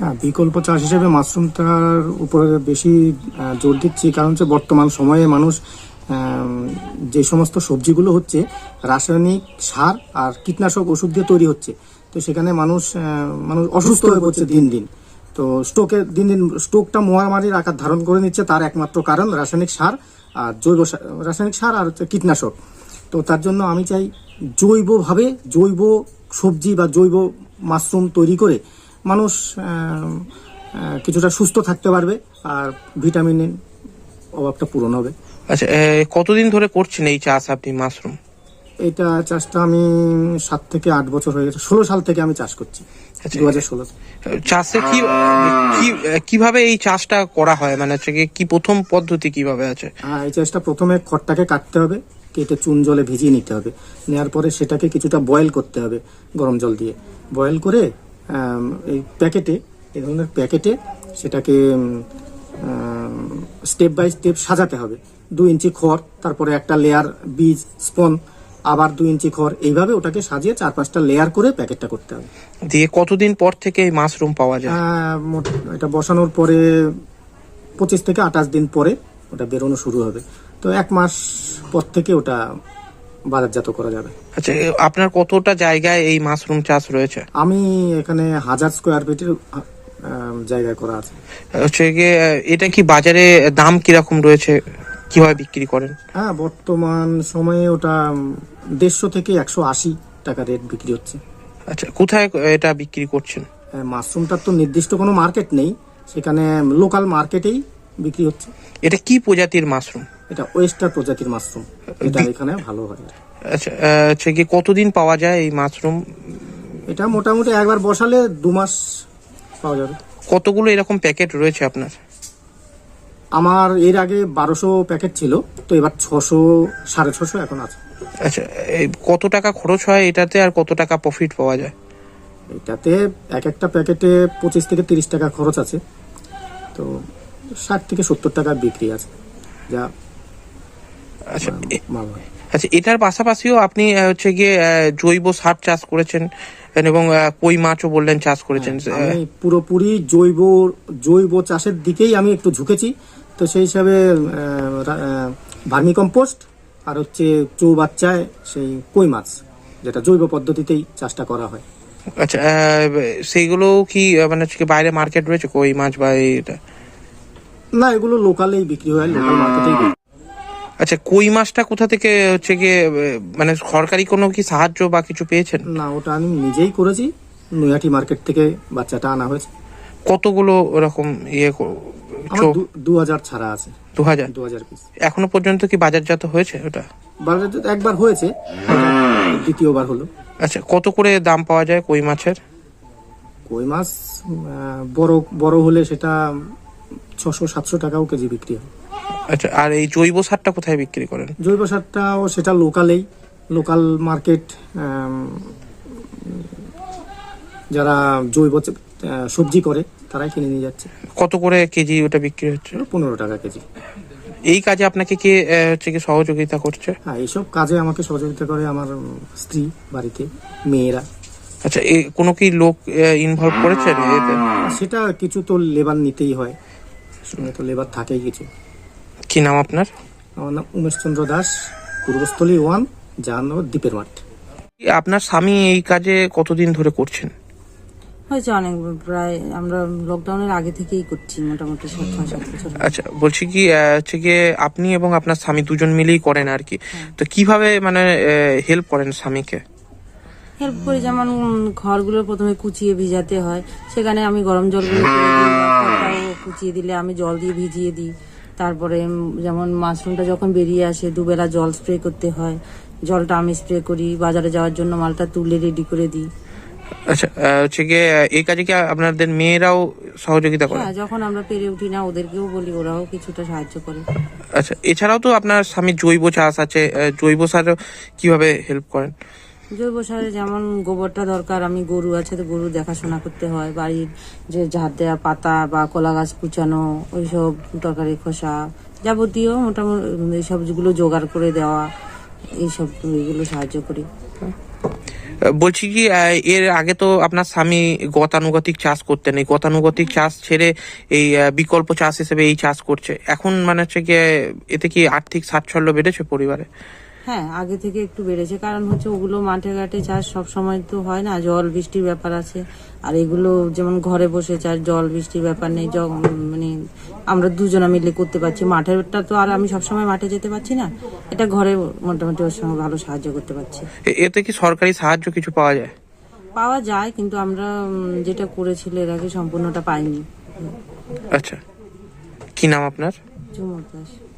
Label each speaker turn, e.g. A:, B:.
A: হ্যাঁ, বিকল্প চাষ হিসেবে মাশরুমটার উপরে বেশি জোর দিচ্ছি, কারণ হচ্ছে বর্তমান সময়ে মানুষ যে সমস্ত সবজিগুলো হচ্ছে রাসায়নিক সার আর কীটনাশক ওষুধ দিয়ে তৈরি হচ্ছে, তো সেখানে মানুষ অসুস্থ হয়ে পড়ছে দিন দিন। তো দিন দিন স্টোকটা মহামারীর আকার ধারণ করে নিচ্ছে, তার একমাত্র কারণ রাসায়নিক সার আর রাসায়নিক সার আর হচ্ছে কীটনাশক। তো তার জন্য আমি চাই জৈবভাবে জৈব সবজি বা জৈব মাশরুম তৈরি করে মানুষ কিছুটা সুস্থ থাকতে পারবে আর ভিটামিনের অভাবটা পূরণ হবে।
B: আচ্ছা, কতদিন ধরে করছেন এই চাষ আপনি মাশরুম?
A: এইটা চাষটা আমি 7 থেকে 8 বছর হয়ে গেছে, 16 সাল থেকে আমি চাষ করছি। 2016
B: চাষে কিভাবে এই চাষটা করা হয়, মানে হচ্ছে কি প্রথম পদ্ধতি কিভাবে আছে?
A: এই চাষটা প্রথমে খড়টাকে কাটতে হবে, কেটে চুন জলে ভিজিয়ে নিতে হবে, নেওয়ার পরে সেটাকে কিছুটা বয়েল করতে হবে গরম জল দিয়ে। বয়েল করে এই ধরনের প্যাকেটে সেটাকে স্টেপ বাই স্টেপ সাজাতে হবে। 2 ইঞ্চি খড়, তারপরে একটা লেয়ার বীজ স্পন, আবার 2 ইঞ্চি খড়, এইভাবে ওটাকে সাজিয়ে 4-5টা লেয়ার করে প্যাকেটটা করতে হবে।
B: দিয়ে কতদিন পর থেকে এই মাশরুম পাওয়া যায়?
A: এটা বসানোর পরে 25 থেকে 28 দিন পরে ওটা বেরোনো শুরু হবে। তো 1 মাস পর থেকে ওটা বাজারজাত করা যাবে।
B: আচ্ছা, আপনার কতটা জায়গায় এই মাশরুম চাষ রয়েছে?
A: আমি এখানে 1000 স্কোয়ার ফিটের জায়গায় করা আছে।
B: হচ্ছে গিয়ে এটা কি বাজারে দাম কিরকম রয়েছে, কিভাবে বিক্রি করেন?
A: হ্যাঁ, বর্তমান সময়ে ওটা 150 থেকে 180 টাকা রেট বিক্রি হচ্ছে।
B: আচ্ছা, কোথায় এটা বিক্রি করছেন?
A: মাশরুমটার তো নির্দিষ্ট কোনো মার্কেট নেই, সেখানে লোকাল মার্কেটেই বিক্রি হচ্ছে।
B: এটা কি প্রজাতির মাশরুম?
A: এটা ওয়েস্টার প্রজাতির মাশরুম, এটা এখানে ভালো হয়।
B: আচ্ছা, হচ্ছে কি কতদিন পাওয়া যায় এই মাশরুম?
A: এটা মোটামুটি একবার বসালে 2 মাস পাওয়া যাবে।
B: কতগুলো এরকম প্যাকেট রয়েছে আপনার?
A: আমার এর আগে 1200 প্যাকেট ছিল, তো এবার 600 650 এখন আছে।
B: আচ্ছা, কত টাকা খরচ হয় এটাতে আর কত টাকা প্রফিট পাওয়া যায়?
A: এটাতে একটা প্যাকেটে 25 থেকে 30 টাকা খরচ আছে, তো 60 থেকে 70 টাকা বিক্রি আছে, যা
B: আচ্ছা
A: মাল হয়।
B: আচ্ছা, এটার পাশাপাশিও আপনি হচ্ছে গিয়ে জৈব সার চাষ করেছেন এবং কই মাছও বললেন চাষ করেছেন।
A: আমি পুরোপুরি জৈব চাষের দিকেই আমি একটু ঝুঁকেছি, তো সেই হিসাবে ভার্মি কম্পোস্ট আর হচ্ছে চৌবাচ্চায় সেই কই মাছ, যেটা জৈব পদ্ধতিতেই চাষটা করা হয়।
B: আচ্ছা, সেইগুলো কি মানে হচ্ছে বাইরে মার্কেট রয়েছে কই মাছ বা এটা?
A: না, এগুলো লোকালেই বিক্রি হয়, লোকাল মার্কেটেই বিক্রি।
B: আচ্ছা, কই মাছটা কোথা থেকে হচ্ছে গিয়ে মানে সরকারি কোনো কি সাহায্য বা কিছু পেয়েছেন?
A: না, ওটা আমি নিজেই করেছি, নৈহাটি মার্কেট থেকে বাচ্চাটা আনা হয়েছে।
B: কতগুলো ওরকম
A: 2000 ছাড়া আছে। 2000 পিস।
B: এখনো পর্যন্ত কি বাজারজাত হয়েছে ওটা?
A: বাজারজাত একবার হয়েছে, দ্বিতীয়বার হলো।
B: আচ্ছা, কত করে দাম পাওয়া যায় কই মাছের?
A: কই মাছ বড় হলে সেটা 600-700 টাকাও কেজি বিক্রি হয়।
B: আচ্ছা, আর এই জৈব সারটা কোথায় বিক্রি করেন?
A: জৈব সারটাও সেটা লোকাল মার্কেট, যারা জৈব সবজি করে তারাই কিনে নিয়ে যাচ্ছে।
B: কত করে কেজি ওটা বিক্রি হচ্ছে?
A: 15 টাকা কেজি।
B: এই কাজে আপনাকে কে হচ্ছে কি সহযোগিতা করছে?
A: হ্যাঁ, এইসব কাজে আমাকে সহযোগিতা করে আমার স্ত্রী, বাড়িতে মেয়েরা।
B: আচ্ছা, কোনো কি লোক ইনভলভ করেছেন এতে?
A: সেটা কিছু তো লেবার নিতেই হয়, সঙ্গে তো লেবার থাকেই কিছু।
B: কি নাম আপনার?
A: আমার নাম উমেশ চন্দ্র দাস, পূর্বস্থলী 1, জাহানগর দ্বীপের মাঠ।
B: আপনার স্বামী এই কাজে কতদিন ধরে করছেন?
C: হয়েছে অনেক, প্রায় আমরা লকডাউনের আগে থেকেই করছি, মোটামুটি 6-7 বছর।
B: আচ্ছা, বলছি কি হচ্ছে গিয়ে আপনি এবং আপনার স্বামী দুজন মিলেই করেন আর কি, তো কিভাবে মানে হেল্প করেন স্বামীকে?
C: হেল্প করি, যেমন ঘরগুলো প্রথমে কুচিয়ে ভিজাতে হয়, সেখানে আমি গরম জলগুলো করে দিই, খড়টাও কুচিয়ে দিলে আমি জল দিয়ে ভিজিয়ে দিই। তারপরে যেমন মাশরুমটা যখন বেরিয়ে আসে 2 বেলা জল স্প্রে করতে হয়, জলটা আমি স্প্রে করি, বাজারে যাওয়ার জন্য মালটা তুলে রেডি করে দিই।
B: আচ্ছা, হচ্ছে গিয়ে এই কাজে কি আপনাদের মেয়েরাও সহযোগিতা করে?
C: হ্যাঁ, যখন আমরা পেরে উঠি না ওদেরকেও বলি, ওরাও কিছুটা সাহায্য করে।
B: আচ্ছা, এছাড়াও তো আপনার স্বামী জৈব চাষ আছে, জৈব সার কিভাবে হেল্প করেন?
C: জৈব সারে যেমন গোবরটা দরকার, আমি গরু আছে তো গরু দেখাশোনা করতে হয়, বাড়ির যে ঝাড় দেওয়া পাতা বা কলা গাছ কুচানো, ওইসব তরকারি খোসা যাবতীয় মোটামুটি এই সবগুলো জোগাড় করে দেওয়া, এইসব এইগুলো সাহায্য করি।
B: বলছি কি এর আগে তো আপনার স্বামী গতানুগতিক চাষ করতেন, এই গতানুগতিক চাষ ছেড়ে এই বিকল্প চাষ হিসেবে এই চাষ করছে। এখন মানে হচ্ছে গিয়ে এতে কি আর্থিক স্বাচ্ছল্য বেড়েছে পরিবারে?
C: হ্যাঁ, আগে থেকে একটু বেড়েছে, কারণ হচ্ছে ওগুলো মাঠে ঘাটে চাষ সব সময় তো হয় না, জল বৃষ্টির ব্যাপার আছে। আর এগুলো যেমন ঘরে বসে চাষ, জল বৃষ্টির ব্যাপার নেই, মানে আমরা দুজনা মিলে করতে পারছি। মাঠেরটা তো আর আমি সবসময় মাঠে যেতে পারছি না, এটা ঘরে মোটামুটি ওর সঙ্গে ভালো সাহায্য করতে পারছি।
B: এতে কি সরকারি সাহায্য কিছু পাওয়া যায়?
C: পাওয়া যায়, কিন্তু আমরা যেটা করেছিল এর আগে সম্পূর্ণটা পাইনি।
B: আচ্ছা, কি নাম আপনার?
C: চুমুর দাস।